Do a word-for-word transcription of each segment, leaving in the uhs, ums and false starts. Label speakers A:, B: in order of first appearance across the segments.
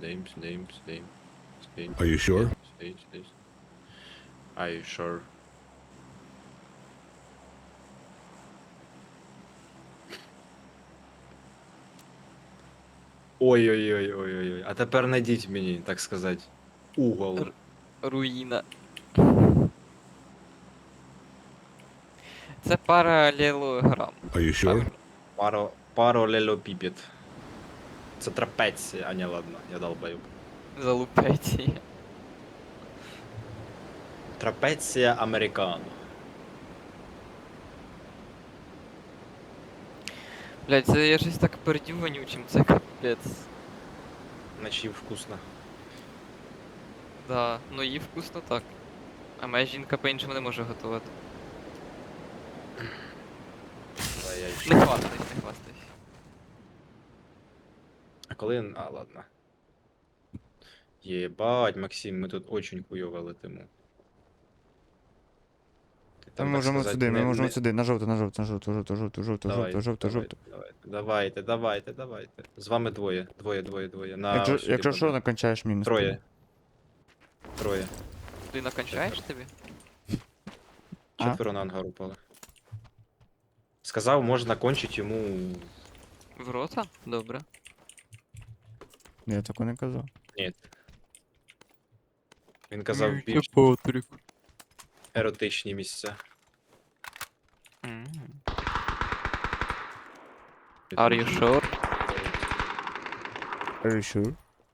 A: same, same, same, same.
B: Are you sure?
A: Same, same. Are you sure? Ой-ой-ой-ой-ой. А тепер найдіть мені, так сказати, угол.
C: Р- Руїна. Це паралелограм.
B: Are you sure?
C: Правильно.
A: Паро... Паралелепіпед. Це трапеція, а не ладно, я долбаю.
C: Залупеті.
A: Трапеція американо.
C: Блять, це я щось так пердю вонючим, це капець.
A: Наче вкусно.
C: Да, ну їй вкусно так. А моя жінка по-іншому не може готувати.
A: Давай я
C: Не
A: ще.
C: хвастайся, не хвастайся.
A: А коли. А, ладно. Єбать, Максим, ми тут очень хуйово летимо. Ти
D: Ми
A: там, так
D: можемо
A: сказати,
D: сюди, ми
A: не-
D: можемо
A: не-
D: сюди, на жовту, на жовту, на жовту, жовту, жовту, жовту,
A: Давайте,
D: жовту, жовту,
A: давайте,
D: жовту.
A: давайте, давайте, давайте, давайте, давайте. З вами двоє, двоє, двоє, двоє. На
D: Якщо,
A: ось сюди
D: якщо що,
A: подам.
D: накончаєш мінус.
A: Троє. Троє.
C: Ти накончаєш тобі?
D: А?
A: Четверо на ангар упали. Сказав, можна кончити йому.
C: В рота? Добре.
D: Я такого не казав.
A: Ні. Він казав
C: Ну,
A: більш
C: Патрик.
A: еротичні місця.
C: Are you sure?
D: Are you sure?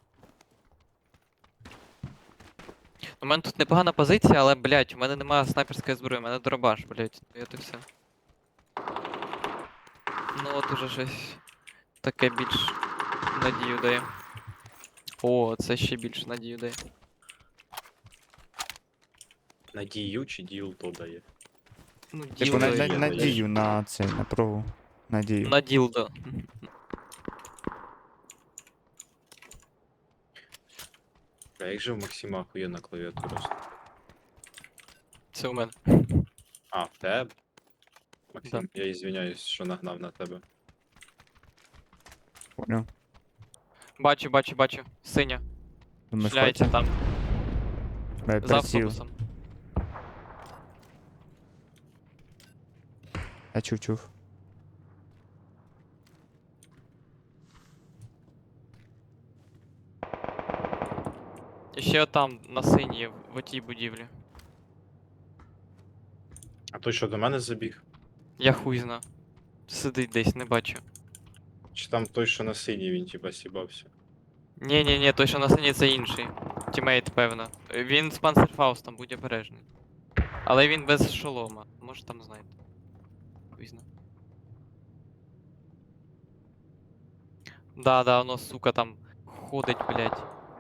C: У мене тут непогана позиція, але, блядь, у мене немає снайперської зброї, у мене дробаш, блядь. Ну от і все. Ну от уже щось таке більш надію дає. О, це ще більш надію дає.
A: Надію чи діл то дає.
C: Ну,
D: Типу,
C: ділдо.
D: на,
A: Ділдо
D: на,
A: є,
D: надію на це, на прогу. Надію.
C: На ділдо.
A: А як же в Максима охуєнна клавіатура?
C: Це у мене.
A: А, в тебе? Максим, я извиняюсь, що нагнав на тебе.
D: Понял.
C: Бачу, бачу, бачу. Синя.
D: Думаєш,
C: Шляється
D: хоче?
C: там.
D: Бе,
C: За
D: приціл.
C: автобусом.
D: Я чув, чув.
C: І ще там, на синій, в отій будівлі.
A: А той що до мене забіг?
C: Я хуй зна. Сидить десь, не бачу.
A: Чи там той, що на синій, він типа сібався?
C: Ні, ні, ні, той, що на синій, це інший. Тімейт, певно. Він з Панцерфаустом, будь обережний. Але він без шолома. Може там знаєте. Хуй зна. Да, да, воно, сука, там ходить, блядь.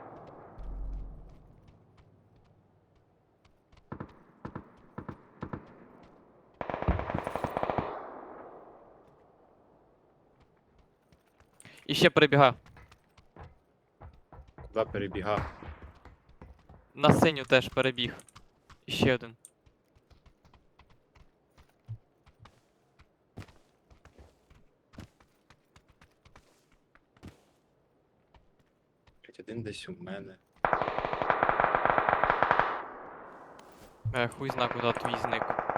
C: І ще перебіга.
A: Куди перебігав?
C: На синю теж перебіг. І ще один.
A: Блять, один десь у мене.
C: Е, хуй зна, куди твій зник.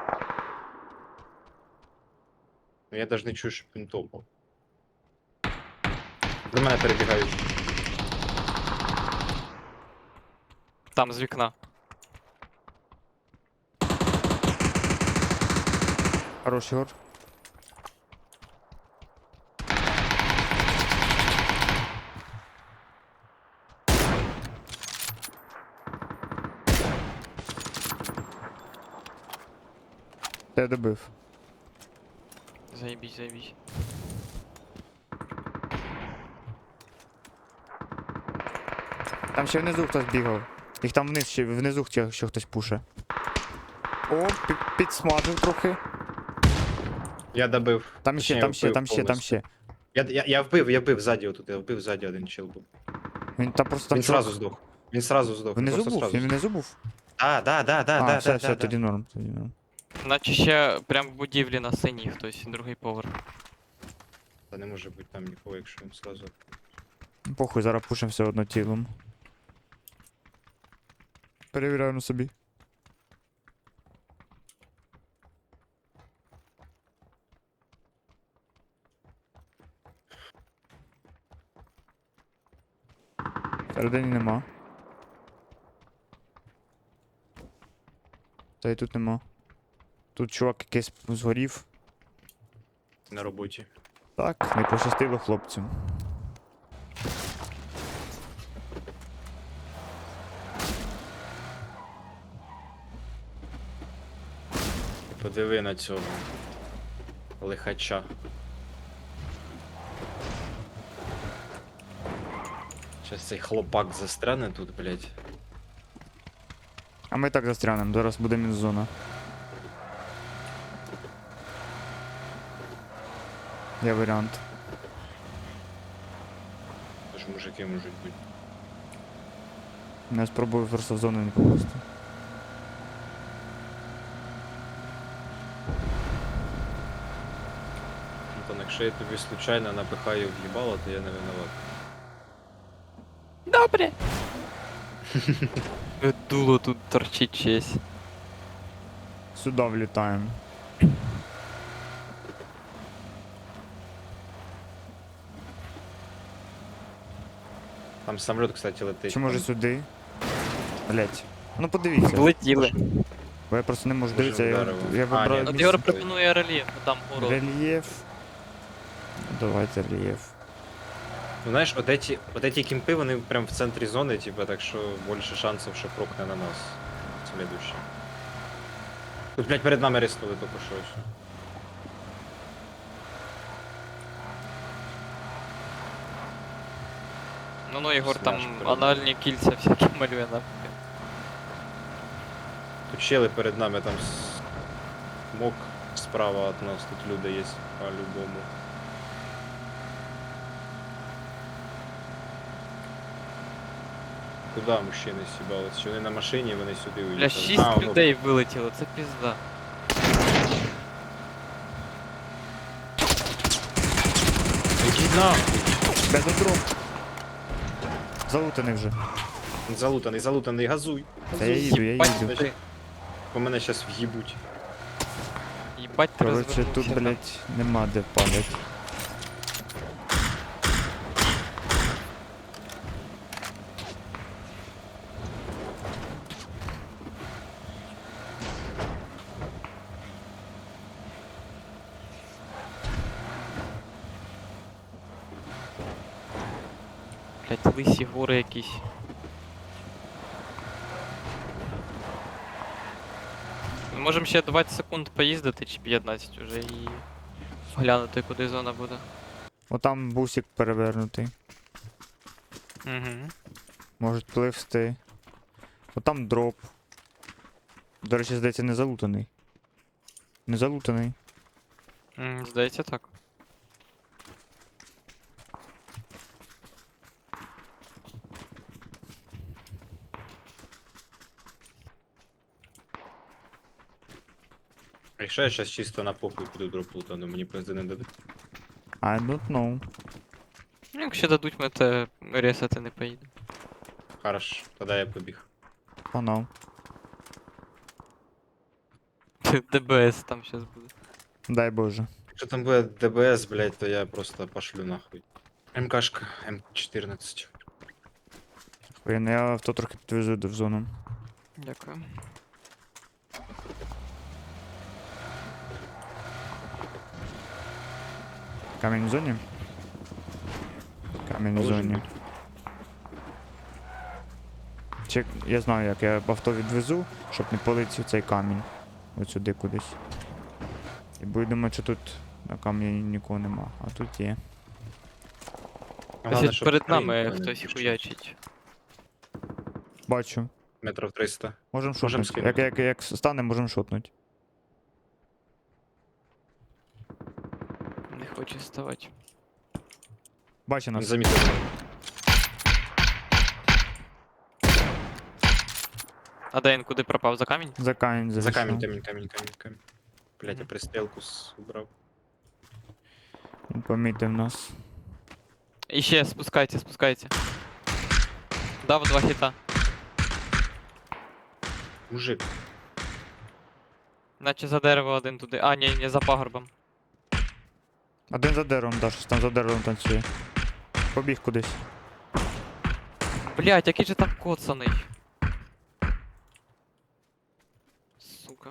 A: Ну я навіть не чую, щоб він топав. До мене перебігають.
C: Там, з вікна.
D: Хороший гор. Я добив.
C: Заєбісь, заєбісь.
D: Там ще внизу хтось бігав. Їх там вниз ще внизу ще, ще хтось пуше. О, пі- підсмажив трохи.
A: Я добив.
D: Там ще,
A: Точніше,
D: там ще,
A: вбив
D: там ще, там
A: повністю.
D: ще.
A: Я, я, я вбив, я вбив ззаді отут, я вбив ззаді один чел був.
D: Він там просто там
A: Він
D: чувак-
A: сразу здох. Він сразу здох. Він
D: Внизу
A: просто
D: був?
A: сразу
D: Він
A: здох.
D: внизу був?
A: А, да, да, да,
D: А,
A: да,
D: все,
A: да,
D: все,
A: да,
D: тоді
A: да.
D: норм, тоді норм.
C: Наче ще прям в будівлі на синій хтось, другий поверх.
A: Та не може бути там нікого, якщо він сразу.
D: Похуй, зараз пушимо все одно тілом. Перевіряю на собі. Всередині нема. Та й тут нема. Тут чувак якийсь згорів.
A: На роботі.
D: Так, не пощастило хлопцю.
A: Подиви на цього. Лихача. Щас цей хлопак застряне тут, блядь.
D: А ми так застрянемо, зараз буде мінзона. Є варіант.
A: Тож мужики можуть бути.
D: Я спробую просто в зону не попасти.
A: Антон, якщо я тобі случайно напихаю в їбало, то я не виноват.
C: Добре. Дуло тут торчить чесь.
D: Сюди влітаємо.
A: Там самоліт, кстати, летить.
D: Чи може
A: Там
D: сюди? Блять. Ну подивіться.
C: Влетіли.
D: Бо я просто не можу
A: Може,
D: дивитися, я,
A: вдарило.
D: я
A: А,
D: вибрав
A: ні,
C: От
A: От
C: Євро
A: місце.
C: пропонує рельєф, там город.
D: рельєф. Давайте рельєф.
A: Ну знаєш, от эти, от эти кімпи, вони прям в центрі зони, типа, так що більше шансів, що прокне на нас. Следующий. Тут, блядь, перед нами риснули тільки що. ось.
C: Ну ну, Єгор
A: Смяш
C: там
A: перед
C: анальні кільця всякі малює нахуй.
A: Тут щели перед нами, там с- мок справа от нас, тут люди є по-любому. Куда мужчини сібались? Чи вони на машині, вони сюди уїхали?
C: Бля, шість
A: А, ну,
C: людей вилетіло, це пізда.
A: Ідіть нахуй!
D: Без дроп. Залутаний вже.
A: Він залутаний, залутаний, газуй.
D: Та я їду, я
C: Їбать
D: їду.
C: ти.
A: По мене зараз в'їбуть.
C: Їбать ти
D: Коротше, тут,
C: розвернувся там.
D: блять, нема де падати.
C: Блять, лисі гори якісь. Ми можемо ще двадцять секунд поїздити чи п'ятнадцять уже і глянути, куди зона буде.
D: Отам бусик перевернутий.
C: Угу.
D: Можуть пливсти. Отам дроп. До речі, здається, не залутаний. Не залутаний.
C: Здається так.
A: А якщо я зараз чисто на похуй піду дроп лутану, мені пизди не дадуть.
D: I don't know.
C: Ну, якщо дадуть, ми те ресати не поїдемо.
A: Хорош, тоді я побіг.
D: Погнав.
C: ДБС там щас буде.
D: Дай Боже.
A: Якщо там буде ДБС, блядь, то я просто пошлю нахуй. МКшка, М чотирнадцять.
D: Ой, ну я авто трохи підвезу до в зону.
C: Дякую.
D: Камінь в зоні? Камінь в
A: Должен
D: зоні.
A: бути.
D: Чек, я знаю як, я авто відвезу, щоб не полетів цей камінь. Ось сюди кудись. І буду думати, що тут на камені нікого нема, а тут є.
A: Головне,
C: Ось
A: щоб
C: перед
A: країн
C: нами
A: мене
C: хтось
A: пішов.
C: хуячить.
D: Бачу.
A: Метрів триста.
D: Можем
A: Можем
D: шотнути. Як,
A: скинути.
D: як, як стане, можем шотнути.
C: Не хоче ставати.
D: Бачи
A: Не
D: нас.
A: замітив.
C: А де він куди пропав? За камінь?
D: За камінь
A: За
D: зайшов.
A: камінь, камінь, камінь, камінь, камінь. Блять, я
C: Мгм.
A: пристрілку с- убрав.
D: Він помітив нас.
C: І ще спускайте, спускайте. Дав два хіта.
A: Мужик.
C: Наче за дерево один туди. А, ні, ні, за пагорбом.
D: Один за деревом, да, щось там за деревом танцює. Побіг кудись.
C: Блять, який же там коцаний. Сука.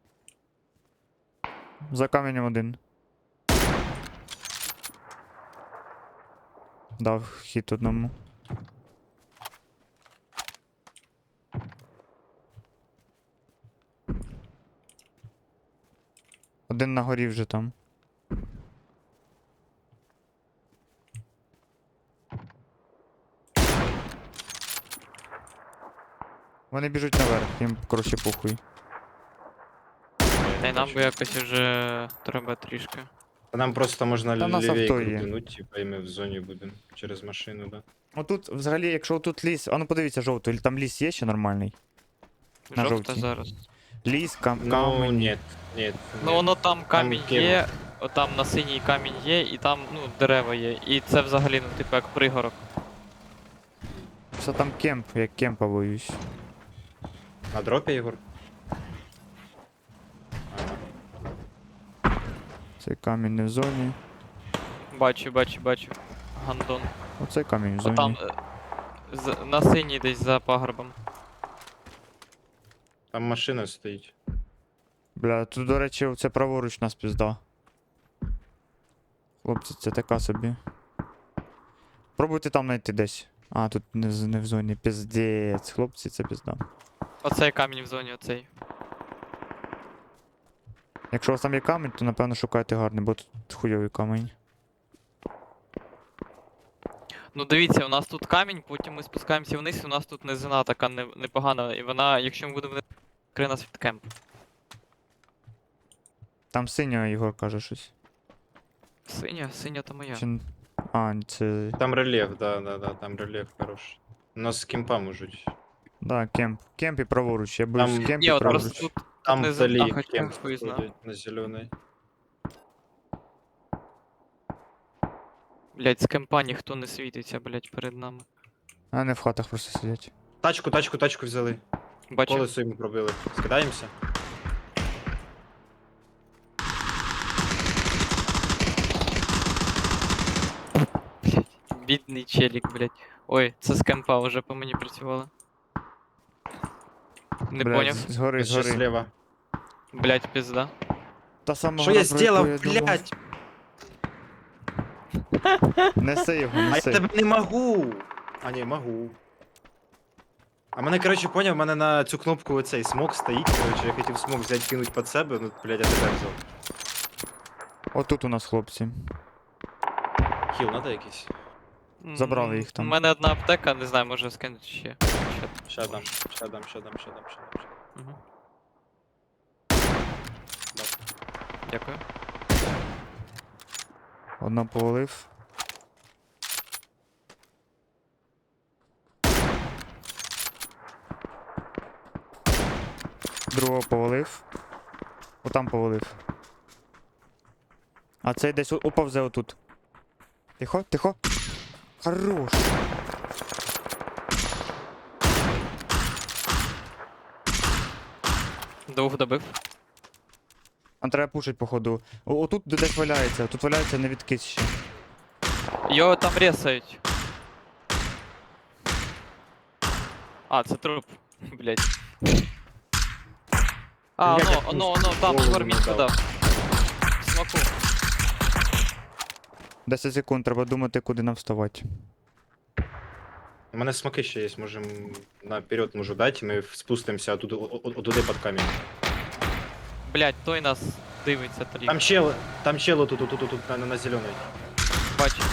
D: За каменем один. Дав хід одному. Один на горі вже там. Вони біжуть наверх, їм коротше похуй.
C: Та й нам би якось вже треба трішки.
A: Та нам просто можна
D: Та в нас
A: лівей
D: авто є.
A: крутинуть, типа, і ми в зоні будемо через машину, да.
D: Отут, взагалі, якщо тут ліс. А ну подивіться жовтий, там ліс є ще нормальний? На
C: Жовта
D: жовтій.
C: зараз.
D: Ліс, кам
A: Ну,
D: камень.
A: ні, ні.
C: Ну воно там камінь
A: кем?
C: є, там на синій камінь є, і там, ну, дерева є. І це взагалі, ну, типу, як пригорок.
D: Все там кемп, я кемпа боюсь.
A: На дропі, Ігор? Ага.
D: Цей камінь не в зоні.
C: Бачу, бачу, бачу. Гандон.
D: Оцей камінь в
C: А
D: зоні.
C: там е, з, на синій десь за пагорбом.
A: Там машина стоїть.
D: Бля, тут, до речі, це праворуч нас пізда. Хлопці, це така собі. Пробуйте там знайти десь. А, тут не, з- не в зоні. Піздець. Хлопці, це пізда.
C: Оцей камінь в зоні, оцей.
D: Якщо у вас там є камінь, то напевно шукайте гарний, бо тут хуйовий камінь.
C: Ну дивіться, у нас тут камінь, потім ми спускаємося вниз, і у нас тут низина така не- непогана, і вона, якщо ми будемо вниз, крий нас від кемп.
D: Там синя, Ігор каже щось.
C: Синя, синя то моя.
D: Чи... н- А, це.
A: Там рельєф, да, да, да, там рельєф хороший. У нас з кемпа можуть.
D: Да, кемп. Кемп і праворуч. Я боюсь
A: Там-
D: кемп
C: Ні,
D: і
C: от
D: праворуч.
C: просто тут
A: Там
C: не
A: вдалі
C: зна- хоча
A: кемп
C: хуй зна.
A: ходить на зелений.
C: Блять, з кемпа ніхто не світиться, блять, перед нами.
D: А вони в хатах просто сидять.
A: Тачку, тачку, тачку взяли.
C: Бачу.
A: Колесо йому пробили. Скидаємося?
C: Бідний челік, блять. Ой, це з кемпа вже по мені працювало. Не
D: Блядь,
C: поняв.
D: з- Згори,
A: Ще
D: згори.
A: зліва.
C: Блять, пізда.
D: Та сама
A: Що
D: гора,
A: я
D: про яку
A: зробив,
D: я думав.
A: блядь?
D: Неси його,
A: А я
D: неси.
A: тебе не могу. А ні, могу. А мене, коротше, поняв, в мене на цю кнопку оцей смок стоїть, коротше, я хотів смок взяти, кинуть під себе, ну, блядь, я тебе взяв.
D: Отут у нас хлопці.
A: Хіл надо якийсь?
D: Забрали
C: М,
D: їх там.
C: У мене одна аптека, не знаю, може скинути ще.
A: Ща дам, ща дам, ща дам, ща дам, ща дам.
C: Угу.
A: Дав.
C: Дякую.
D: Одна повалив. Другого повалив. Отам повалив. А цей десь о- оповзе отут. Тихо, тихо. Хорош.
C: Двох добив.
D: Нам треба пушить, походу. О, отут де- десь валяється, тут валяється не відкис ще.
C: Його там ресають. А, це труп. Блять. А,
A: Як я
C: оно, оно, оно, там
A: голову
C: гормітку
A: надав.
C: дав. Смаку.
D: десять секунд, треба думати, куди нам вставати.
A: У мене смоки ще є, можем наперед можу дати, ми спустимося туди, туди під камінь.
C: Блять, той нас дивиться тріп.
A: Там чел, там чел тут, тут, тут, тут, на, на зелений.
C: Бачу.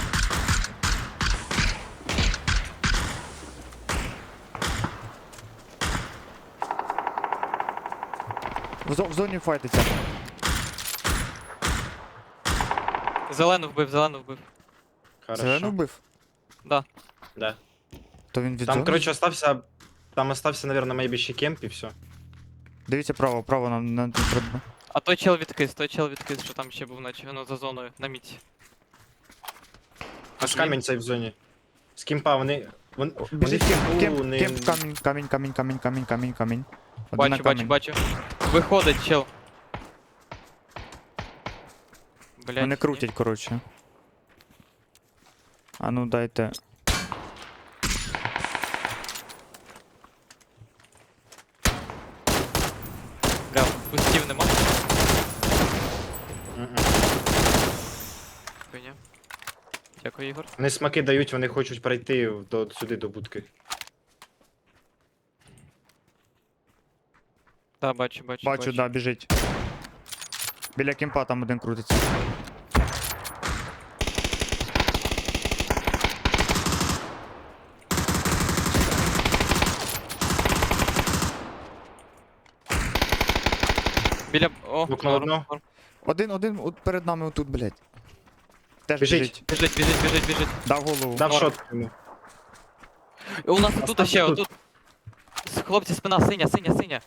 D: В, зо- в зоні файтиться.
C: Зелену вбив, зелену вбив.
A: Хорошо.
D: Зелену вбив?
C: Да.
A: Да.
D: То він від
A: Там,
D: зони?
A: короче, остався, там остався, наверное, maybe ще кемп і все.
D: Дивіться право, право нам нам не треба.
C: А той чел відкис, той чел відкис, що там ще був, наче воно за зоною, на міці.
A: Аж камінь цей в зоні. З кімпа вони. Вони, вони
D: Біжить
A: в
D: кемп,
A: кімпу
D: кемп,
A: не.
D: кемп, камінь, камінь, камінь, камінь, камінь, камінь, камінь. Один на
C: Бачу, бачу,
D: камінь.
C: бачу. Виходить, чел. Блять.
D: Вони крутять, коротше. А ну дайте.
C: Бля, пустів нема.
A: Мгм.
C: Хуйня. Дякую, Ігор.
A: Вони смаки дають, вони хочуть пройти до, сюди до будки.
C: Та, бачу, бачу.
D: Бачу, да, біжить. Біля кемпа там один крутиться.
C: Біля. О,
A: Вікно
C: норм,
A: одно.
C: норм.
D: Один, один от перед нами отут, блядь. Теж
A: Біжить.
D: біжить.
C: Біжить, біжить, біжить, біжить.
D: Дав голову.
A: Дав
C: Норм.
A: шот йому.
C: І у нас тут
A: Остався
C: ще,
A: тут.
C: отут. С- Хлопці, спина, синя, синя, синя.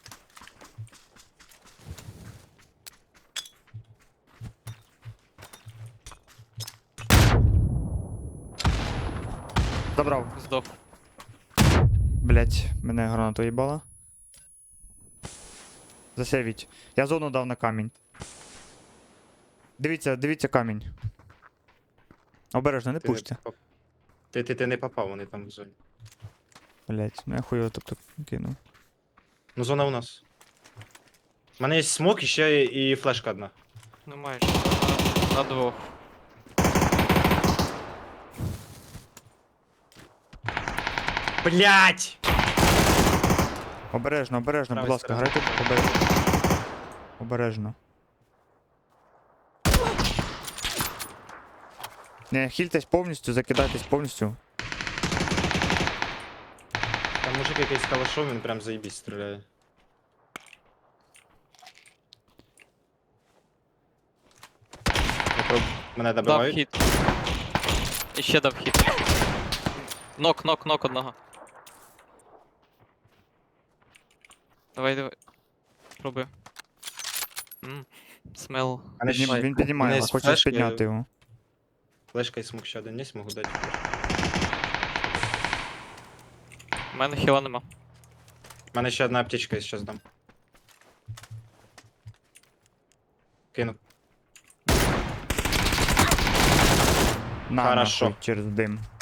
D: Забрав.
C: Здох.
D: Блять, мене гранату їбала. Засейвіть. Я зону дав на камінь. Дивіться, дивіться камінь. Обережно, не
A: Ти не
D: пуште.
A: попав. Ти, ти, ти не попав, вони там в зоні.
D: Блять, ну я хуйово тобто кинув.
A: Ну зона у нас. У мене є смок і ще і флешка одна.
C: Ну майже. На, на двох.
A: Блять!
D: Обережно, обережно, будь
A: Правий
D: ласка,
A: сторона.
D: грайте обережно. Обережно. Не, хільтесь повністю, закидайтесь повністю.
A: Там мужик якийсь з калашом, він прям заєбісь стріляє. Я проб- Мене
C: Дав
A: добивають.
C: хід. І ще дав хід. Нок, нок, нок одного. Давай, давай. Пробуй. Ммм, смел.
A: Мене
D: Піднім-
A: ще-
D: Він піднімає,
A: мене
D: його,
A: з
D: хоче
A: флешки-
D: підняти його.
A: Флешка і смок ще один є, можу дати.
C: У мене хіла нема.
A: У мене ще одна аптечка, я зараз дам. Кину.
D: На,
A: Хорошо.
D: нахуй, через дим.